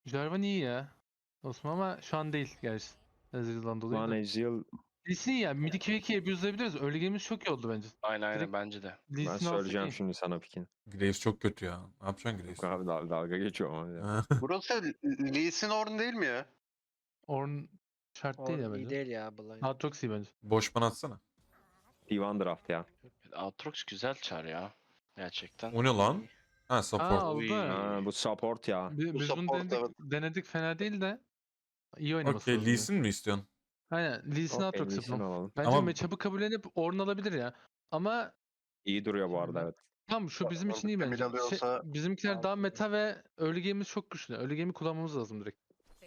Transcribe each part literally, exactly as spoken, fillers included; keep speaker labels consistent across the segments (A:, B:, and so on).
A: Jarvan iyi ya. Osman ama şu an değil gerçi. Ezreal'dan
B: Şu
A: dolayı
B: an
A: da.
B: Ezreal
A: Lee Sin ya. Mid iki ve ikiyi abuse'layabiliriz. Early game'imiz çok iyi oldu bence.
C: Aynen aynen
A: Direkt
C: bence de.
A: Lee
B: ben
A: Sin alsak
B: söyleyeceğim
A: iyi.
B: şimdi sana pikin.
D: Graves çok kötü ya. Ne yapacaksın
B: Yok
D: Graves?
B: abi dal dalga geçiyor ama. Ya.
E: Burası Lee Sin Ornn değil mi ya?
A: Ornn şart değil ya
F: O iyi
A: bence.
F: değil ya Blind.
A: Aatrox iyi bence.
D: Boş bana atsana.
B: T bir draft ya.
C: Aatrox güzel çar ya. Gerçekten.
D: O ne lan? Ha
A: Aa
D: support.
A: aldı.
B: Ha, bu support ya.
A: Bi-
E: Bu
A: Biz bunu
E: support,
A: denedik,
E: evet.
A: denedik fena değil de iyi oynaması
D: Okey
A: lazım.
D: Lee
A: yani.
D: Sin mi istiyorsun?
A: Aynen Lee Sin
B: Okey,
A: Aatrox
B: Lee Sin
A: yapalım.
B: alalım.
A: Bence
D: Ama-
A: matchup'ı kabullenip Ornn alabilir ya. Ama
B: İyi duruyor bu arada evet.
A: tam şu bizim için iyi
E: Ornn
A: bence. Şey,
E: alıyorsa-
A: bizimkiler daha meta ve early game'imiz çok güçlü. Early game'i kullanmamız lazım direkt.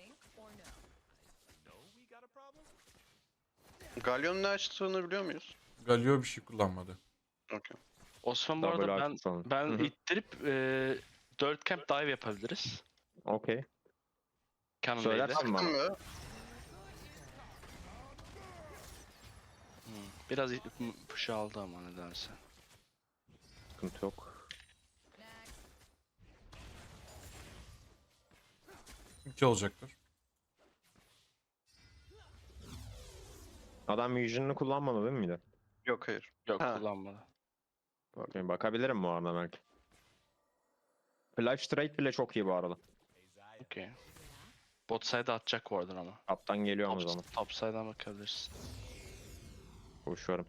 E: Galyon'un ne açtığını biliyor muyuz?
D: Galio bir şey kullanmadı.
E: Okey.
C: Osman bu
B: Double
C: arada ben
B: artı falan.
C: ben
B: Hı hı.
C: ittirip e, dört camp dive yapabiliriz.
B: Okey.
C: Canon
B: Söylersin
C: Wave'le.
B: bana.
E: Baktın mı?
C: Hmm, Biraz i- m- push aldı ama nedense.
B: Sıkıntı yok.
D: İki olacaktır.
B: Adam Vision'ını kullanmadı değil miydi?
E: Yok hayır.
C: Yok
E: Ha.
C: kullanmadı.
B: Okey, bakabilirim bu arada belki. Flash straight bile çok iyi bu arada.
C: Okey. Bot side atacak oradan ama.
B: Kaptan geliyor o
C: Top,
B: zaman.
C: top side'dan bakabilirsin.
B: Koşuyorum.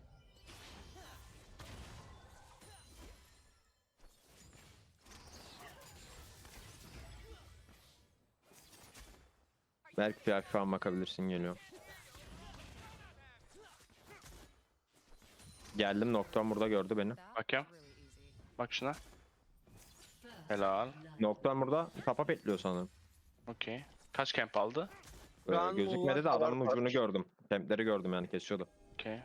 B: Belki flash falan bakabilirsin geliyor. Geldim Nocturne burada gördü beni.
C: Bakayım. Bak şuna. Helal.
B: Nocturne burada tapa petliyor sanırım.
C: Okey. Kaç camp aldı?
B: Ee,
F: Şu an
B: gözükmedi de
E: bunlar
B: adamın
E: var.
B: ucunu gördüm. Kempleri gördüm yani kesiyordu.
C: Okey.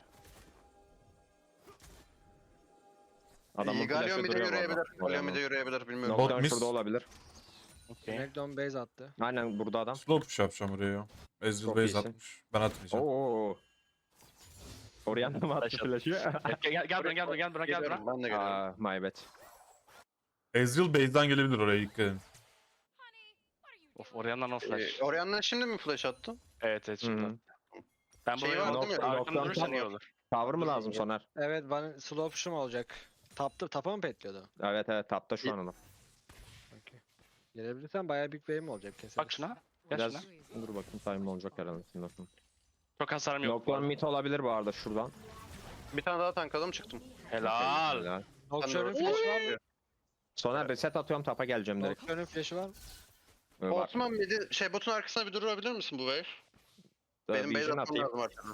B: Adamın
E: İyi, Galyon
B: flash'ı
E: bir de
B: duruyor bu arada.
E: yürüyebilir. Galyon bir de yürüyebilir bilmiyorum.
D: Bot
B: Nocturne
D: miss.
B: şurada olabilir.
C: Okey.
F: Smackdown base attı.
B: Aynen burada adam.
D: Slow push yapacağım oraya. Ezreal
B: Çok
D: base
B: iyisin.
D: atmış. Ben atmayacağım.
B: Oo. Oraya mı attı
C: Flash
B: flash'ı?
C: Gel gel gel buraya gel buraya gel buraya gel buraya.
E: Geliyorum, ben de geliyorum.
B: Aa, my bad.
D: Ezreal base'den gelebilir oraya dikkat edin.
C: Of Orianna'nın o flash.
E: Ee, Orianna'ya şimdi mi flash attın?
C: Evet evet
B: Hı
C: şimdi.
B: hı.
C: Ben
E: Şey
C: buraya
E: var değil mi?
C: arkamda
B: Nocturne
C: durursan
B: tam
C: iyi
B: var.
C: olur.
B: Cover mı lazım Soner?
F: Evet bana slow push'um olacak. Taptı, tapa mı petliyordu?
B: Evet evet tapta şu an adam.
F: Gelebilirsen bayağı big wave'im olacak kesin.
C: Bak şuna. Gel
B: Biraz
C: şuna.
B: dur bakayım time olacak herhalde. Şimdi bakayım.
C: Çok hasarım yok. bu
B: Nocturne
C: arada.
B: mid olabilir bu arada şuradan.
E: Bir tane daha tankladım çıktım.
C: Helal.
B: Helal.
F: Nocturne'un
E: Ben de-
F: flash'ı var mı?
B: Soner reset atıyorum tapa geleceğim direkt.
F: Nocturne'un flash'ı var mı?
B: Ee, bak,
E: Osman bir de şey botun arkasına bir durabilir misin bu wave?
B: e,
E: Benim base
B: vision
E: atmam
B: atayım.
E: lazım arkadan.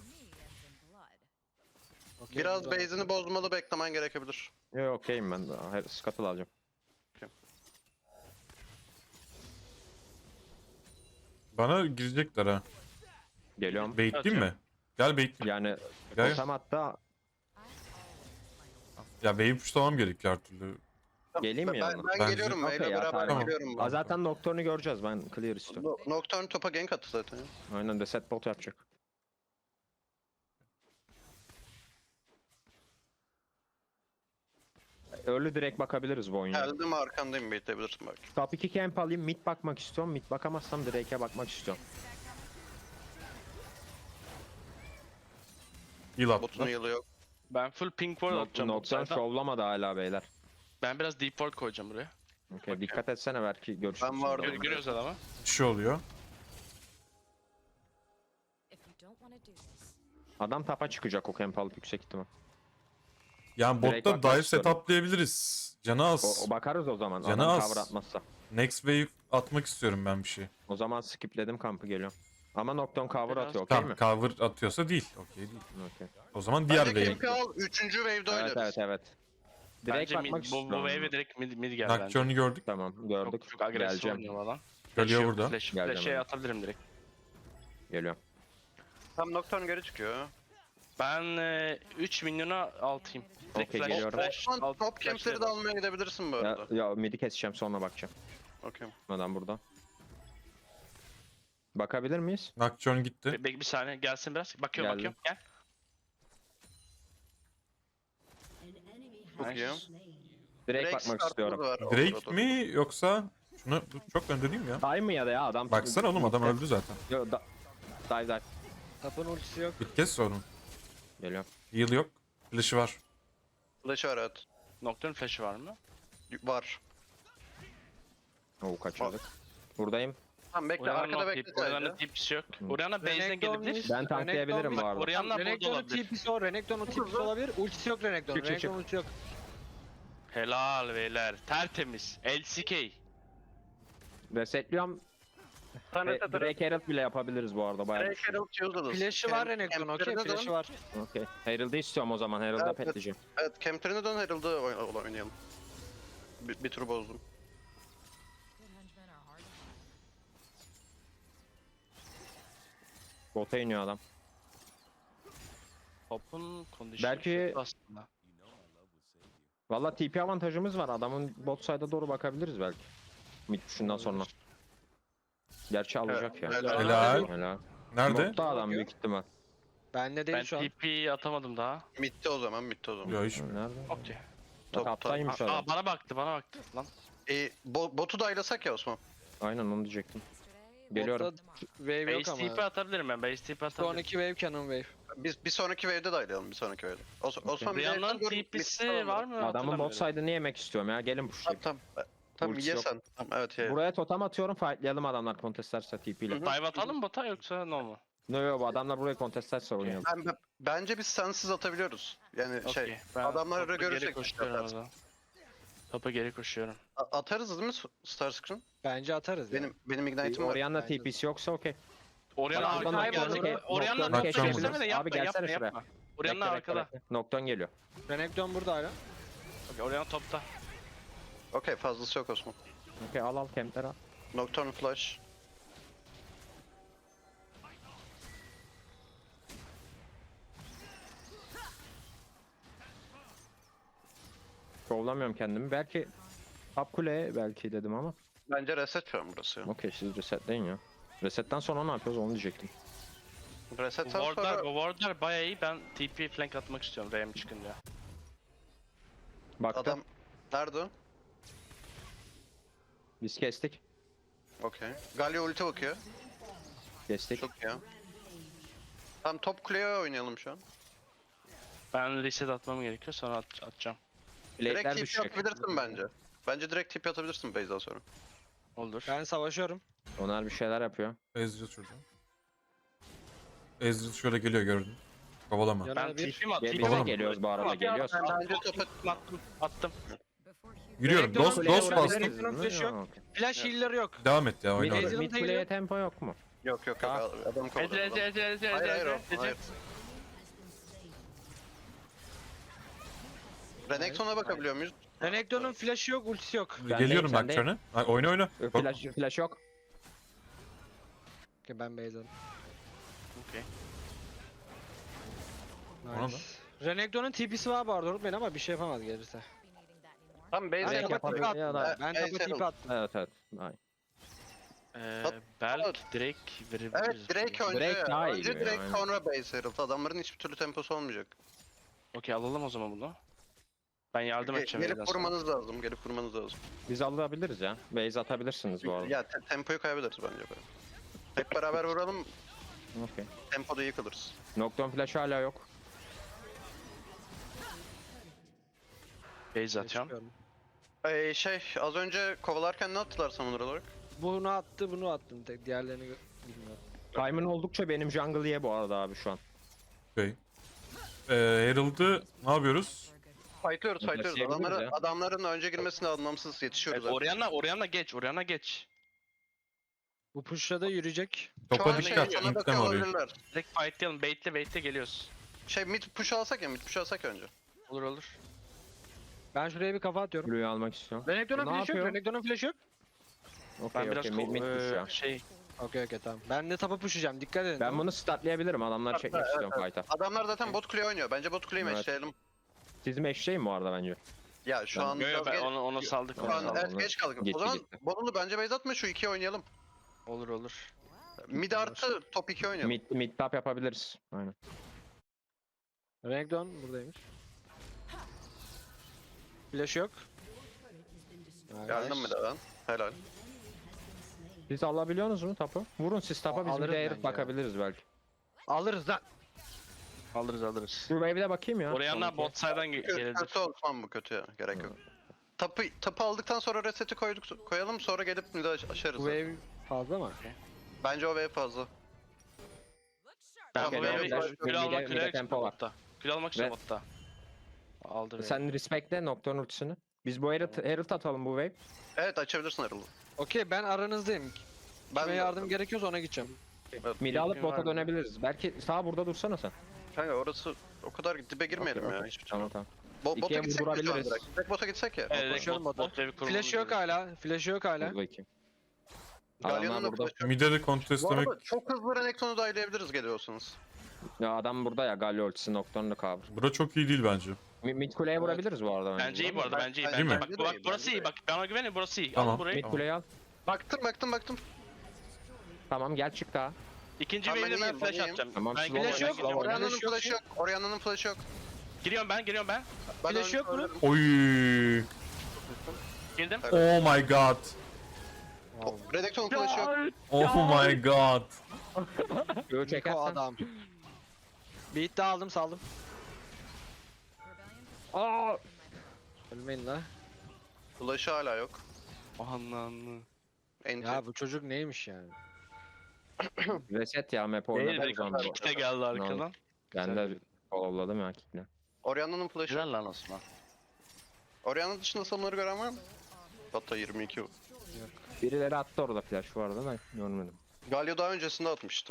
F: Okey,
E: Biraz
F: güzel.
E: base'ini bozmalı beklemen gerekebilir.
B: Yok okeyim ben. Hayır scuttle alacağım.
D: Bana girecekler ha.
B: Geliyorum.
D: Baitleyeyim mi? Gel baitleyeyim.
B: Yani
D: Gel.
B: totem hatta
D: Ya wave pushlamam gerekiyor her türlü.
B: geleyim mi
E: Ben,
B: yanına?
E: ben
D: Bence-
E: geliyorum.
B: Okey
E: Wave'le
B: ya,
E: beraber
B: tamam.
E: geliyorum.
B: Aa,
E: Ben.
B: zaten Nocturne'u göreceğiz ben clear istiyorum.
E: No- Nocturne topa gank attı zaten ya.
B: Aynen reset bot yapacak. Early direkt bakabiliriz bu oyuna.
E: Geldim arkandayım bekleyebilirsin belki.
B: Top iki camp alayım mid bakmak istiyorum. Mid bakamazsam direk'e bakmak istiyorum.
D: Heal
E: Botun
D: attılar.
E: yılı yok.
C: Ben full pink ward atacağım. bu
B: Nocturne
C: side'dan.
B: şovlamadı hala beyler.
C: Ben biraz deep ward koyacağım buraya.
B: Okay, dikkat etsene belki görüşürüz.
E: Ben vardım.
C: Gör, görüyoruz adamı.
D: Bir şey oluyor.
B: Adam tapa çıkacak o camp alıp yüksek ihtimal.
D: Yani
B: Direkt
D: botta
B: bakmak
D: dive
B: istiyorum.
D: setuplayabiliriz. Canı
B: O,
D: az.
B: o bakarız o zaman.
D: Canı
B: Adam
D: az.
B: cover atmazsa.
D: Next wave atmak istiyorum ben bir şey.
B: O zaman skipledim kampı geliyorum. Ama Nocturne cover
C: Biraz-
B: atıyor okey
D: Tamam
B: mi?
D: cover atıyorsa değil. Okey değil.
B: Okey.
D: O zaman diğer
E: Bence
D: wave.
E: camp'i al. Üçüncü wave'de
B: Evet
E: oynarız.
B: evet evet. Direkt
C: Bence mid,
B: bakmak
C: bu,
B: istiyorum.
C: bu wave'e direkt mid, mid gel bence.
D: Nocturne'u gördük.
B: Tamam gördük.
C: Çok, çok agresif
B: Geleceğim.
C: oynuyor falan.
D: Geliyor
C: yok,
D: burada.
C: Flash,
B: Geleceğim
C: flash'e
B: hemen.
C: atabilirim direkt.
B: Geliyorum.
E: Tam Nocturne geri çıkıyor.
C: Ben e, üç milyona altıyım. Direkt
B: Okey,
C: flash,
B: geliyorum.
C: flash,
E: Osman
C: alt-
E: top
C: flash
E: camp'leri de
C: verin.
E: almaya gidebilirsin bu
B: Ya,
E: arada.
B: ya midi keseceğim sonra bakacağım.
E: Okey.
B: Adam burada. Bakabilir miyiz?
D: Nocturne gitti.
C: Be- be- bir saniye gelsin biraz. Bakıyorum
B: Geldi.
C: bakıyorum. Gel.
E: Çok iyi.
B: Direkt
E: Drake
B: bakmak
E: startımız
B: istiyorum.
E: var o
D: Drake
E: sırada.
D: mi yoksa Şunu çok önde değil mi ya?
B: Dive mı ya da ya adam?
D: Baksana oğlum adam öldü zaten.
B: Yo, da, dive dive.
F: Tapın ultisi yok.
D: Bir kez sorun.
B: Geliyor.
D: Heal yok. Flash'ı var.
E: Flash'ı var evet.
C: Nocturne flash'ı var mı?
E: Var.
B: Oo kaçırdık. Buradayım.
E: Tamam bekle
C: Orianna
E: arkada
C: no
E: bekle
C: tip, Orianna
E: sadece.
C: tipsi yok.
B: Hı.
C: Orianna base'den
F: Renekton
C: gelebilir.
F: mis-
B: Ben tanklayabilirim
F: Renekton
B: bu arada.
C: Orianna burada
F: Renekton'un
C: olabilir.
F: TP'si o. Renekton'un TP'si olabilir. Ultisi yok Renekton'un.
B: Çık, çık, çık.
F: Renekton'un ultisi yok.
C: Helal beyler. Tertemiz. L C K.
B: Resetliyorum.
E: Sen
B: Ve
E: reset
B: Drake Herald bile yapabiliriz bu arada bayağı.
E: Drake Herald Shield'ı
F: Flash'ı var Renekton okey. Flash'ı var.
B: Okey. Herald'ı istiyorum o zaman. Herald'a
E: Evet, evet.
B: petleyeceğim.
E: Evet Kempter'ine dön Herald'ı oyn- oynayalım. Bir, bir tur bozdum.
B: Bota iniyor adam.
C: Topun condition
B: Belki-
C: kötü aslında.
B: Valla T P avantajımız var. Adamın bot side'a doğru bakabiliriz belki. Mid şundan sonra. Gerçi alacak ya.
E: helal.
D: Helal.
B: Helal.
D: Nerede?
B: Botta adam büyük ihtimal.
F: Bende değil
C: Ben
F: şu an.
C: T P'yi atamadım daha.
E: Mid'de o zaman mid'de o zaman.
D: Yo hiç.
B: Nerede?
C: Okey.
E: Top,
B: Taptaymış
C: Aa,
B: adam.
C: aa, bana baktı bana baktı lan.
E: E, bo botu daylasak ya Osman.
B: Aynen onu diyecektim. Geliyorum.
F: Botta wave yok
C: Base T P
F: ama.
C: atabilirim ben. Base T P atabilirim.
F: Sonraki wave canon wave.
E: Biz bir sonraki wave'de daylayalım bir sonraki wave'de. Os Osman bir
C: Orianna'nın
E: yerden dur,
C: T
E: mid
C: P'si
E: falan
C: var mı?
B: Adamın bot
C: Hatırlamıyorum.
B: side'ını yemek istiyorum ya. Gelin
E: Tamam
B: pushlayayım.
E: tamam. Tamam
B: Ultisi
E: ye
B: yok.
E: sen. Tamam evet ye.
B: Buraya totem atıyorum. Fightlayalım adamlar contestlerse T P ile.
E: Hı hı.
C: Dive atalım mı bota yoksa no mu?
B: No yo bu adamlar buraya contestlerse oynayalım.
E: Ben, ben- bence biz sensiz atabiliyoruz. Yani
C: Okey.
E: şey
C: Ben
E: adamları
C: topa geri
E: görürsek
C: koşuyorum o
E: yaparız.
C: zaman. Topa geri koşuyorum.
E: A- atarız değil mi Starscreen?
F: Bence atarız ya.
E: Benim benim ignite'im var.
B: Orianna
F: bence de.
B: T P'si yoksa okey.
C: Orianna
B: Bak,
C: arkada
B: Nocturne'u
C: gelecek.
B: ke-
C: Orianna
B: Nocturne'u
C: Nocturne
D: keşfedebiliriz.
C: isteme de
B: Abi
C: yapma
B: gelsene
C: yapma
B: şuraya.
C: yapma. Orianna
B: Bekle, bekle,
C: arkada.
B: bekle. Nocturne geliyor.
F: Renekton burada hala.
C: Okey, Orianna topta.
E: Okey fazlası yok Osman.
B: Okey al al campleri al.
E: Nocturne flash.
B: Şovlamıyorum kendimi. Belki top kule belki dedim ama.
E: Bence reset şu an burası. ya.
B: Okey siz resetleyin ya. Resetten sonra ne yapıyoruz onu diyecektim.
C: Bu
E: Resetten
C: wardlar,
E: sonra
C: bu wardlar bayağı iyi. Ben T P flank atmak istiyorum R M çıkınca.
B: Baktı.
E: adam nerede o?
B: Biz kestik.
E: Okey. Galio ulti bakıyor.
B: Kestik.
E: Çok ya. Tamam top kuleye oynayalım şu an.
C: Ben reset atmam gerekiyor sonra at, atacağım.
E: Direkt
B: Blade'ler
E: T P
B: düşecek.
E: atabilirsin bence. Bence direkt T P atabilirsin base'den sonra.
C: Olur.
F: Ben savaşıyorum.
B: Onlar bir şeyler yapıyor.
D: Ezreal şurada. Ezreal şöyle geliyor gördün. Kovalama.
F: Yanına
C: Ben
F: bir.
C: T P mi at?
B: Gel-
C: T P
B: bize
C: mi at?
B: geliyoruz bu arada,
C: Tamam,
B: geliyoruz.
C: ben-
E: Bence topa
C: Attım. Attım.
D: Yürüyorum.
F: Renekton'un
D: Dost
F: kuleye
D: dost
F: vuran
D: bastım.
F: Renekton'un flash'ı yok.
B: Okey.
F: Flash healer yok.
D: Devam et ya
B: Mid,
D: oyna
F: Mid-
D: oraya.
B: mid kuleye tempo yok mu?
E: yok yok yok
B: Tamam.
E: adam kovalıyor.
C: Ece Ece
E: adam.
C: Ece Ece
E: Hayır hayır
C: Ece
E: o.
C: Ece.
E: Hayır. Renekton'a bakabiliyor muyuz?
F: Renekton'un flash'ı yok, ultisi yok.
B: Ben
D: Geliyorum
B: deyim, sen
D: Nocturne'e. Ay, oyna oyna. Bak,
B: Flash, flash yok.
F: Okey, ben base'im.
C: Okey.
D: Ona da.
F: Nice. Renekton'un T P'si var bu arada unutmayın ama bir şey yapamaz gelirse.
E: Tam
F: Ben
E: base
B: Direkt
F: tapa
B: yapabilir
F: tipi attım.
B: ya da-
F: Ben
E: Base
F: tapa tipi
E: Herald.
F: attım.
B: Evet evet. Ay.
C: Ee,
E: Tat-
C: belki Drake verebiliriz.
E: Evet Drake önce.
B: Drake daha iyi
E: önce
B: gibi
E: Drake
B: yani.
E: sonra base Herald. Adamların hiçbir türlü temposu olmayacak.
C: Okey alalım o zaman bunu. Ben yardım
E: Ge-
C: edeceğim.
E: gelip
C: evden sonra.
E: vurmanız lazım. Gelip vurmanız lazım.
B: Biz alabiliriz ya. Base atabilirsiniz bu arada.
E: Ya te- tempoyu kaybederiz bence böyle. Hep beraber vuralım.
B: Okey.
E: Tempoda yıkılırız.
B: Nocturne flash hala yok.
C: Base atıyorum.
F: Çıkıyorum.
E: Ee, şey az önce kovalarken ne attılar samuner olarak?
F: Bunu attı, bunu attım. Tek diğerlerini gö- bilmiyorum.
B: Time'ın oldukça benim jungle ye bu arada abi şu an.
D: Okey. Ee, Herald'ı ne yapıyoruz?
E: Fightlıyoruz fightlıyoruz.
B: Taşıyabiliriz
E: Adamları,
B: ya.
E: adamların önce girmesine anlamsız yetişiyoruz.
C: Evet, Orianna, Orianna geç, Orianna geç.
F: Bu push'la da yürüyecek.
E: Şu
D: Topa
E: an
D: dikkat.
E: şey, sana
D: Inkleme
E: bakıyor
D: orayı.
E: olabilirler.
C: Direkt fightlayalım, baitle baitle geliyoruz.
E: Şey mid push alsak ya mid push alsak önce.
C: Olur olur.
F: Ben şuraya bir kafa atıyorum.
B: Blue'yu almak istiyorum.
F: Renekton'un
B: Ne
F: flash'ı yok,
B: yapıyor?
F: Renekton'un flash'ı yok.
B: Okey
C: Ben biraz
B: okey mid, mid
C: ko-
B: push
C: eee,
B: ya.
C: şey,
F: Okey okey tamam. Ben de tapa push'layacağım, dikkat edin.
B: Ben bunu statlayabilirim. Adamları çekmek
E: Evet,
B: istiyorum fight'a.
E: Adamlar zaten bot kuleye oynuyor. Bence bot kuleyi
B: Evet.
E: meşleyelim.
B: Siz meşleyin bu arada bence.
E: Ya şu
B: Ben-
E: an
C: yo, yo,
E: biraz
C: ben
E: geç,
C: onu, onu saldık,
E: şu
C: onu
E: an
B: Tamam,
C: saldık.
E: evet,
B: onu-
E: geç kaldık.
B: Gitti,
E: o zaman
B: gitti.
E: Botunu bence base atma şu ikiyi oynayalım.
C: Olur olur.
E: Mid artı top iki oynayalım.
B: Mid, mid top yapabiliriz. Aynen.
F: Renekton buradaymış. Flash yok.
E: Geldim mi de ben? Helal.
B: Siz alabiliyorsunuz mu tapu? Vurun siz tapa, biz bir
F: Alırız
B: de herif
F: bence.
B: bakabiliriz belki.
F: Alırız lan.
C: Alırız alırız.
B: Şu wave'e bakayım ya.
C: Oraya
B: Sonraki.
C: bot side'dan ge-
E: Kötü,
C: gelebilir.
E: kötü olmam bu kötü ya. Gerek yok. Tapı, tapı aldıktan sonra reset'i koyduk, koyalım sonra gelip mid'i aş- aşarız.
F: Bu
E: zaten.
F: wave fazla mı?
E: Bence o wave fazla.
C: Ben
E: Tamam,
C: bu
E: geliyor,
C: wave'i
E: geliyor.
C: kül
B: Mide-
C: almak
B: mide
C: üzere
B: tempo var.
C: botta. Kül almak üzere
B: Ve-
C: botta. Aldı beni.
B: Sen respectle Nocturne ultisini. Biz bu Herald, Herald atalım bu wave.
E: Evet açabilirsin Herald'ı.
F: Okey ben aranızdayım. Kime yardım gerekiyorsa ona gideceğim.
B: Mid'i alıp
C: Bilgin var
B: bota
C: mı?
B: dönebiliriz. Belki sağ burada dursana sen.
E: Kanka orası o kadar dibe girmeyelim
B: Okey,
E: ya.
B: okey.
E: Hiçbir şey.
B: Tamam tamam.
E: Bo bota
B: İkiye
E: gitsek mi şu an
B: vurdurabiliriz.
E: direkt? Direkt bota gitsek ya.
C: Evet, direkt
F: Koşuyorum
C: bot,
F: bota.
C: bot wave'i kurmamız
F: Flash yok
C: gerekiyor.
F: hala. Flash yok hala.
B: Dur bakayım.
E: Galyon'un
B: Adamlar
E: da
B: burada.
E: flash'ı yok.
D: Mide de
E: Bu
D: contestlemek
E: arada çok hızlı Renekton'u dahilleyebiliriz geliyorsanız.
B: Ya adam burada ya, Galio ultisi Nocturne'la cover.
D: bura çok iyi değil bence.
B: Mi- Mid kuleye vurabiliriz bu arada.
C: Bence iyi bu arada bence iyi.
E: Bence
C: Bence
D: mi?
C: bak,
E: de
C: bak
E: iyi,
C: burası
E: bence
C: iyi
E: de
C: bak bana güvenin burası iyi.
D: Tamam.
C: Al burayı.
B: Mid kuleyi al.
E: Baktım baktım baktım.
B: Tamam gel çık daha.
C: İkinci
E: Tamam, ben
C: wave'de ben
E: iyiyim, ben
C: flash
E: iyiyim.
C: atacağım.
B: Tamam,
C: Ben
B: slow
C: geliyorum,
F: flash
C: ben
F: yok,
C: geliyorum.
F: oraya-
E: Orianna'nın
F: Flash yok
E: flash'ı yok. Orianna'nın flash'ı yok.
C: Giriyorum ben giriyorum ben.
E: Ben
F: Flash
E: onu
F: yok mu?
E: söylerim.
D: Oy.
C: Girdim.
D: Oh my god.
E: Renekton'un flash'ı yok.
D: Oh my god.
B: Göğü
F: Niko
B: çekersen.
F: adam. Beat de aldım saldım.
B: Aa!
F: Ölmeyin la.
E: Flash'ı hala yok.
C: Anlandı.
E: Enti.
F: Ya bu çocuk neymiş yani?
B: Reset ya map
C: Değil
B: oynadı o
C: direkt
B: zaman.
C: kick de geldi arkadan.
B: Ben de followladım ya kickle.
E: Orianna'nın flash'ı yok.
C: Güzel lan Osman.
E: Orianna dışında sonları gören var mı? Hatta yirmi iki.
B: Birileri attı orada flash bu arada ben görmedim.
E: Galio daha öncesinde atmıştı.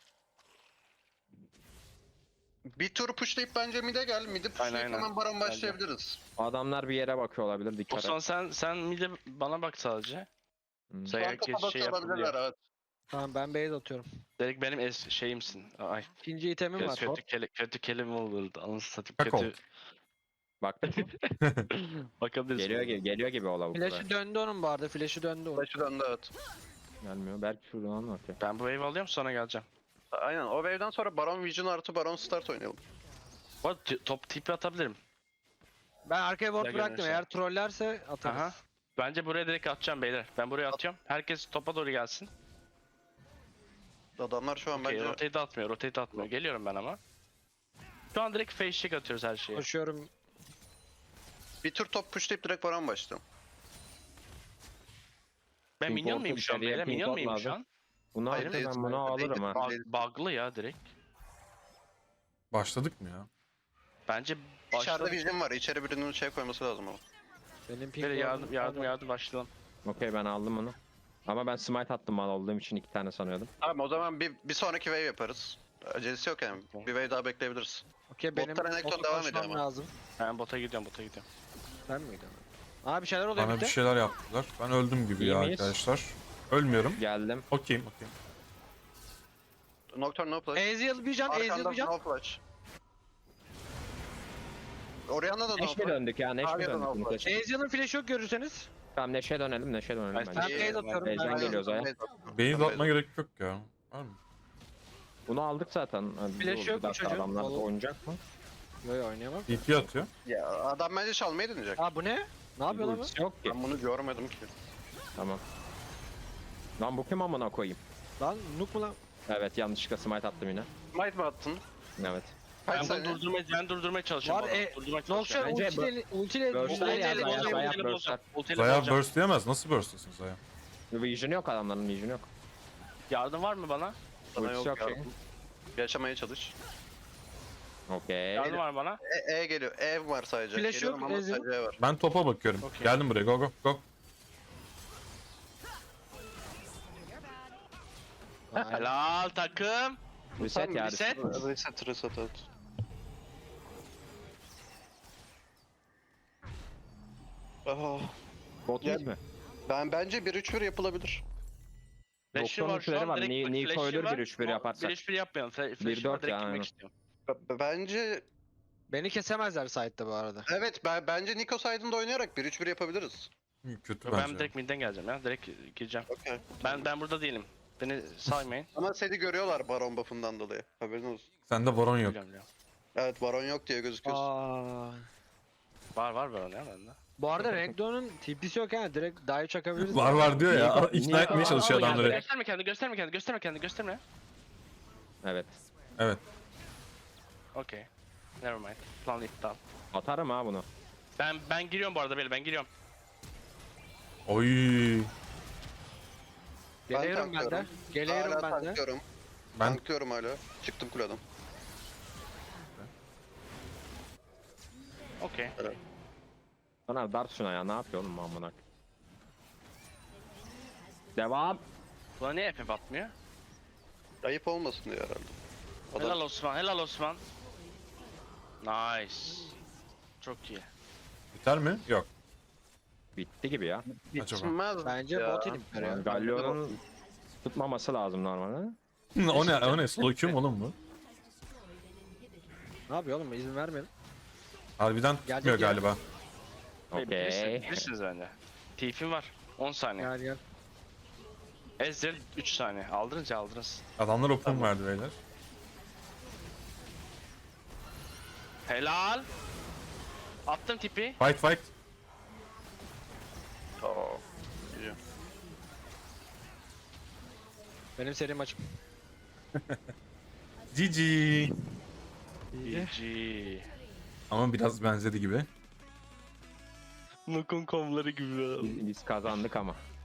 E: Bir tur pushlayıp bence mid'e gel. Mid'i pushlayıp
C: aynen.
E: hemen baron başlayabiliriz.
B: Adamlar bir yere bakıyor olabilir dikkat
C: Osman
B: et.
C: sen sen mide bana bak sadece.
B: Hmm.
C: Sen
E: Şu an
C: herkes
E: topa
C: şey
E: bakabilirler
C: yapabiliyor.
E: evet.
F: Tamam ben base atıyorum.
C: Direkt benim es şeyimsin. Ay.
F: İkinci itemim var.
C: Kötü, kele, kötü kelime olurdu. Anasını satayım
D: Kakao.
C: kötü.
B: Baktın mı?
C: Bakabiliriz.
B: Geliyor
C: buna.
B: ge- geliyor gibi o lavuk.
F: Flash'ı döndü onun bu arada. Flash'ı döndü onun.
E: Flash'ı döndü evet.
B: Gelmiyor. Belki şuradan mı atıyor?
C: Ben bu wave alıyorum sonra geleceğim.
E: Aynen o wave'den sonra Baron Vision artı Baron Start oynayalım.
C: Bu arada t- top tipi atabilirim.
F: Ben arkaya ward
C: Ya
F: bıraktım.
C: görürsen.
F: Eğer trollerse atarız.
C: Aha. Bence buraya direkt atacağım beyler. Ben buraya atıyorum. Herkes topa doğru gelsin.
E: Adamlar şu an
C: Okey,
E: bence
C: rotate atmıyor, rotate atmıyor. Geliyorum ben ama. Şu an direkt face check atıyoruz her şeye.
F: Koşuyorum.
E: bir tur top pushlayıp direkt Baron başlayalım.
C: Ben
B: Ping
C: minyon
B: pong
C: muyum şu an
B: içeriye,
C: beyler?
B: ping
C: Minyon
B: pong
C: muyum şu
B: lazım.
C: an?
B: Bunu
E: Hayır,
B: alırım
E: değil,
B: ben bunu
E: değil,
B: alırım ha.
E: değil.
C: Bug, bug'lı ya direkt.
D: Başladık mı ya?
C: Bence
E: İçeride
C: başladık.
E: Vision var. İçeri birinin şey koyması lazım ama.
F: Benim ping
C: Böyle yardım
F: ward'um-
C: yardım yardım başlayalım.
B: Okey ben aldım onu. Ama ben smite attım mal olduğum için iki tane sanıyordum.
E: Tamam o zaman bir, bir sonraki wave yaparız. Acelesi yok yani. Bir wave daha bekleyebiliriz.
F: Okey benim
E: Bottan Renekton
F: bota
E: devam ediyor
F: koşmam
E: ama.
F: lazım.
C: Ben bota gidiyorum bota gidiyorum.
F: Ben miydim? Abi bir şeyler oluyor
D: Bana
F: bir
D: bir
F: de.
D: şeyler yaptılar. Ben öldüm gibi
B: İyi
D: ya
B: miyiz?
D: arkadaşlar. Ölmüyorum.
B: Geldim.
D: Okeyim okeyim.
E: Nocturne no flash.
F: Ezreal bir can, Ezreal
E: Arkanda
F: bir can.
E: no flash. Orianna da no
B: Neşe
E: flash.
B: döndük ya Neşe
E: Abi,
B: döndük.
E: yapın
B: bunu
E: abi.
B: seçin.
F: Ezreal'ın flash yok görürseniz.
B: Tamam Neşe dönelim Neşe dönelim
C: Ben-
B: bence.
F: Ben base atıyorum.
B: Beyzden
F: Ben-
B: geliyoruz aya.
D: Beyaz atma gerek yok ya. Var mı?
B: Bunu aldık zaten. Hadi
F: Flash
B: dur,
F: yok
B: bir
F: mu
B: dakika,
F: çocuğun?
B: adamlar
F: Oğlum.
B: oynayacak mı?
F: Yo yo oynayamam.
D: D P atıyor.
E: Ya adam bence çalmayı deneyecek.
F: Aa bu ne? Ne yapıyor lan bu?
B: Ultisi yok ki.
E: Ben bunu görmedim ki.
B: Tamam. Lan bu kim amına koyayım?
F: Lan nuk mu lan?
B: Evet yanlışlıkla smite attım yine.
E: Smite mi attın?
B: Evet.
E: Kaç
C: Ben bunu
E: saniye?
C: durdurmaya, ben durdurmaya çalışıyorum.
F: Var,
C: bunu,
F: e,
C: durdurmaya
F: Nokşar
C: çalışıyorum.
B: Bence
F: ultiyle ultiyle
B: Burst'ler
F: ultiyle-
B: ya, Zaya,
F: ultiyle-
B: Zaya
C: Ultiyle
B: burst'ler.
C: bozacağım, ultiyle
D: Zaya
C: bozacağım.
D: burst diyemez. Nasıl burst desin Zaya?
B: Vision yok adamların vision yok.
C: Yardım var mı bana?
E: Sana
B: Ultisi
E: yok
B: yok
E: ya.
B: şey.
E: Yaşamaya çalış.
B: Okey.
C: Yardım var mı bana?
E: E, e geliyor. E var sadece.
F: Flash
E: Geliyorum
F: yok,
E: ama
F: Ezreal.
E: sadece E var.
D: Ben topa bakıyorum.
C: Okey.
D: Geldim buraya. Go go go.
C: Helal takım.
B: Reset ya.
C: reset.
E: Reset reset evet. Ah,
B: Bot
E: Gel.
B: mid mi?
E: ben bence bir üç bir yapılabilir.
C: Flash'ı
B: Doktorun
C: var şu
B: flash'ı
C: an
B: var.
C: direkt
B: Ni-
C: bak,
B: Niko
C: flash'ı
B: ölür
C: var.
B: bir üç bir yaparsak.
C: bir üç bir yapmayalım. Fla-
B: bir
C: Flash'ı
B: dört
C: var direkt
B: ya,
C: girmek
B: aynen.
C: istiyorum.
E: B- bence
F: Beni kesemezler site'de bu arada.
E: evet ben, bence Niko side'ında oynayarak bir üç bir yapabiliriz.
D: Hı, Kötü
C: Ben
D: bence.
C: direkt midden geleceğim ya. Direkt gireceğim.
E: Okey.
C: Ben ben burada değilim. Beni saymayın.
E: Ama seni görüyorlar Baron buff'ından dolayı. Haberin olsun.
D: Sende Baron yok.
C: Biliyorum, biliyorum.
E: Evet Baron yok diye gözüküyorsun.
F: Aa.
C: Var var Baron ya bende.
F: Bu arada Renekton'un T P'si yok yani direkt dive çakabiliriz.
D: Var var diyor ya.
B: Niye-
D: İkna
B: niye-
D: etmeye
B: Aa,
D: çalışıyor
C: Al geldi.
D: adamları.
C: Gösterme kendini, gösterme kendini, gösterme kendini, gösterme.
B: Evet.
D: Evet.
C: Okey. Never mind. Plan iptal.
B: Atarım ha bunu.
C: Ben ben giriyorum bu arada böyle ben giriyorum.
D: Oy.
F: Geliyorum ben de.
E: tanklıyorum.
F: Geliyorum
E: Hala
F: ben de.
E: tanklıyorum.
D: Ben
E: Tanklıyorum hala. Çıktım kuleden.
C: Okey.
B: Sana dart şuna ya, ne yapıyor oğlum amına. Devam.
C: Buna niye F F atmıyor?
E: Ayıp olmasın diye herhalde. Adam
C: Helal Osman, helal Osman. Nice. Çok iyi.
D: biter mi? Yok.
B: Bitti gibi ya.
D: Acaba.
E: bitmez
F: Bence
E: ya.
F: bot inip ya.
B: Galio'nun tutmaması lazım normalde.
D: o ne? O ne? Solo Q mu oğlum bu?
F: Ne yapıyor oğlum? İzin vermeyin.
D: Harbiden
F: Gelecek
D: tutmuyor
F: ya.
D: galiba.
C: Bilirsiniz,
B: Okey.
C: bilirsiniz bence. Tifim var. on saniye.
F: Gel gel.
C: Ezreal üç saniye. Aldınız ya aldınız.
D: Adamlar open verdi beyler.
C: Helal. Attım tipi.
D: Fight fight.
E: Oo.
F: Benim serim açık.
D: G G.
C: G G.
D: Ama biraz benzedi gibi.
C: Nukun komları gibi.
B: Biz, biz kazandık ama.